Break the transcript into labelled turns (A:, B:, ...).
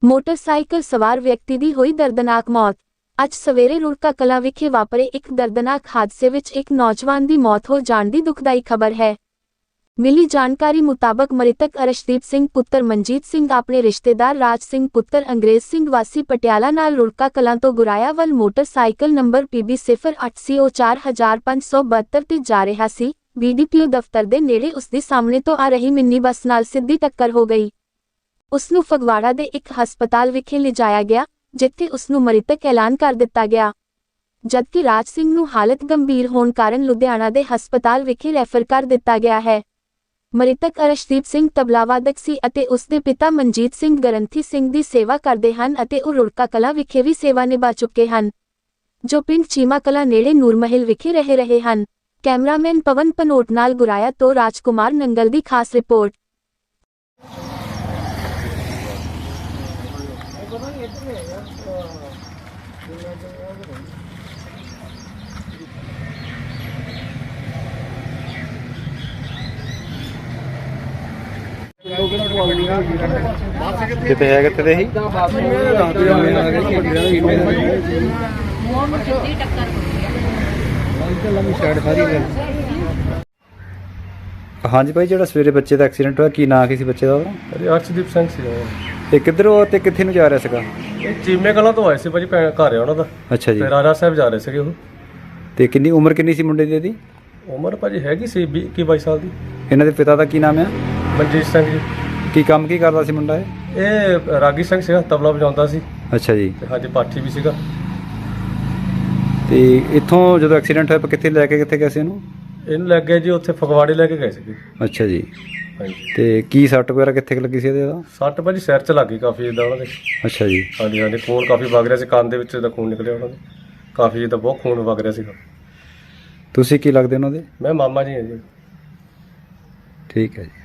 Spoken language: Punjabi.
A: ਮੋਟਰਸਾਈਕਲ ਸਵਾਰ ਵਿਅਕਤੀ ਦੀ ਹੋਈ ਦਰਦਨਾਕ ਮੌਤ। ਅੱਜ ਸਵੇਰੇ ਰੁੜਕਾ ਕਲਾਂ ਵਿਖੇ ਵਾਪਰੇ ਇੱਕ ਦਰਦਨਾਕ ਹਾਦਸੇ ਵਿੱਚ ਇੱਕ ਨੌਜਵਾਨ ਦੀ ਮੌਤ ਹੋ ਜਾਣ ਦੀ ਦੁਖਦਾਈ ਖਬਰ ਹੈ। ਮਿਲੀ ਜਾਣਕਾਰੀ ਮੁਤਾਬਕ ਮ੍ਰਿਤਕ ਅਰਸ਼ਦੀਪ ਸਿੰਘ ਪੁੱਤਰ ਮਨਜੀਤ ਸਿੰਘ ਆਪਣੇ ਰਿਸ਼ਤੇਦਾਰ ਰਾਜ ਸਿੰਘ ਪੁੱਤਰ ਅੰਗਰੇਜ਼ ਸਿੰਘ ਵਾਸੀ ਪਟਿਆਲਾ ਨਾਲ ਰੁੜਕਾ ਕਲਾਂ ਤੋਂ ਗੁਰਾਇਆ ਵੱਲ ਮੋਟਰਸਾਈਕਲ ਨੰਬਰ PB08CO 4572 ਤੇ ਜਾ ਰਿਹਾ ਸੀ। BDPO ਦਫ਼ਤਰ ਦੇ ਨੇੜੇ ਉਸ ਦੇ ਸਾਹਮਣੇ ਤੋਂ ਆ ਰਹੀ ਮਿੰਨੀ ਬੱਸ ਨਾਲ ਸਿੱਧੀ ਟੱਕਰ ਹੋ ਗਈ। ਉਸ ਨੂੰ ਫਗਵਾੜਾ ਦੇ ਇੱਕ ਹਸਪਤਾਲ ਵਿਖੇ ਲਿਜਾਇਆ ਗਿਆ, ਜਿੱਥੇ ਉਸ ਨੂੰ ਮ੍ਰਿਤਕ ਐਲਾਨ ਕਰ ਦਿੱਤਾ ਗਿਆ, ਜਦਕਿ ਰਾਜ ਸਿੰਘ ਨੂੰ ਹਾਲਤ ਗੰਭੀਰ ਹੋਣ ਕਾਰਨ ਲੁਧਿਆਣਾ ਦੇ ਹਸਪਤਾਲ ਵਿਖੇ ਰੈਫਰ ਕਰ ਦਿੱਤਾ ਗਿਆ ਹੈ। ਮ੍ਰਿਤਕ ਅਰਸ਼ਦੀਪ ਸਿੰਘ ਤਬਲਾਵਾਦਕ ਸੀ ਅਤੇ ਉਸ ਦੇ ਪਿਤਾ ਮਨਜੀਤ ਸਿੰਘ ਗ੍ਰੰਥੀ ਸਿੰਘ ਦੀ ਸੇਵਾ ਕਰਦੇ ਹਨ ਅਤੇ ਉਹ ਰੁੜਕਾ ਕਲਾਂ ਵਿਖੇ ਵੀ ਸੇਵਾ ਨਿਭਾ ਚੁੱਕੇ ਹਨ, ਜੋ ਪਿੰਡ ਚੀਮਾ ਕਲਾਂ ਨੇੜੇ ਨੂਰਮਹਿਲ ਵਿਖੇ ਰਹਿ ਰਹੇ ਹਨ। ਕੈਮਰਾਮੈਨ ਪਵਨ ਪਨੋਟ ਨਾਲ ਗੁਰਾਇਆ ਤੋਂ ਰਾਜਕੁਮਾਰ ਨੰਗਲ ਦੀ ਖਾਸ ਰਿਪੋਰਟ।
B: ਕਿਤੇ ਹੈ ਕਿਤੇ ਦੇ ਹੀ ਹਾਂਜੀ ਭਾਈ, ਜਿਹੜਾ ਸਵੇਰੇ ਬੱਚੇ ਦਾ ਐਕਸੀਡੈਂਟ ਹੋਇਆ, ਕੀ ਨਾਂ ਕੀ ਸੀ ਬੱਚੇ ਦਾ?
C: ਅਰਸ਼ਦੀਪ ਸਿੰਘ ਸੀ।
B: ਤੇ ਕਿੱਧਰੋਂ ਤੇ ਕਿੱਥੇ ਨੂੰ ਜਾ ਰਿਹਾ ਸੀਗਾ?
C: ਇਹ ਚੀਮੇ ਕਲਾਂ ਤੋਂ ਆਏ ਸੀ ਭਾਜੀ, ਘਰ ਆ ਉਹਨਾਂ ਦਾ।
B: ਅੱਛਾ ਜੀ।
C: ਤੇ ਰਾਜਾ ਸਾਹਿਬ ਜਾ ਰਹੇ ਸੀਗੇ ਉਹ।
B: ਤੇ ਕਿੰਨੀ ਉਮਰ ਕਿੰਨੀ ਸੀ ਮੁੰਡੇ ਦੀ? ਇਹਦੀ
C: ਉਮਰ ਭਾਜੀ ਹੈਗੀ ਸੀ 21-22 ਸਾਲ ਦੀ।
B: ਇਹਨਾਂ ਦੇ ਪਿਤਾ ਦਾ ਕੀ ਨਾਮ ਆ?
C: ਮਨਜੀਤ ਸਿੰਘ ਜੀ।
B: ਕੀ ਕੰਮ ਕੀ ਕਰਦਾ ਸੀ ਮੁੰਡਾ ਇਹ?
C: ਇਹ ਰਾਗੀ ਸਿੰਘ ਸੀਗਾ, ਤਬਲਾ ਵਜਾਉਂਦਾ ਸੀ।
B: ਅੱਛਾ ਜੀ।
C: ਤੇ ਹਾਂਜੀ ਪਾਠੀ ਵੀ ਸੀਗਾ।
B: ਤੇ ਇੱਥੋਂ ਜਦੋਂ ਐਕਸੀਡੈਂਟ ਹੋਇਆ ਕਿੱਥੇ ਲੈ ਕੇ ਕਿੱਥੇ ਗਏ ਸੀ ਇਹਨੂੰ?
C: ਇਹਨੂੰ ਲੱਗ ਗਿਆ ਜੀ ਉੱਥੇ ਫਗਵਾੜੇ ਲੈ ਕੇ ਗਏ ਸੀਗੇ।
B: ਅੱਛਾ ਜੀ।
C: ਹਾਂਜੀ।
B: ਤੇ ਕੀ ਸੱਟ ਵਗੈਰਾ ਕਿੱਥੇ ਲੱਗੀ ਸੀ ਇਹਦੇ ਦਾ?
C: ਸੱਟ ਭਾਜੀ ਸਿਰ 'ਚ ਲੱਗ ਗਈ ਕਾਫੀ ਜਿੱਦਾਂ ਉਹਨਾਂ ਦੇ।
B: ਅੱਛਾ ਜੀ।
C: ਹਾਂਜੀ ਹਾਂਜੀ, ਖੂਨ ਕਾਫੀ ਵਗ ਰਿਹਾ ਸੀ, ਕੰਨ ਦੇ ਵਿੱਚ ਦਾ ਖੂਨ ਨਿਕਲਿਆ ਉਹਨਾਂ ਦੇ ਕਾਫੀ, ਜਿੱਦਾਂ ਬਹੁਤ ਖੂਨ ਵਗ ਰਿਹਾ ਸੀਗਾ।
B: ਤੁਸੀਂ ਕੀ ਲੱਗਦੇ ਉਹਨਾਂ ਦੇ?
C: ਮੈਂ ਮਾਮਾ ਜੀ ਹਾਂ ਜੀ।
B: ਠੀਕ ਹੈ ਜੀ।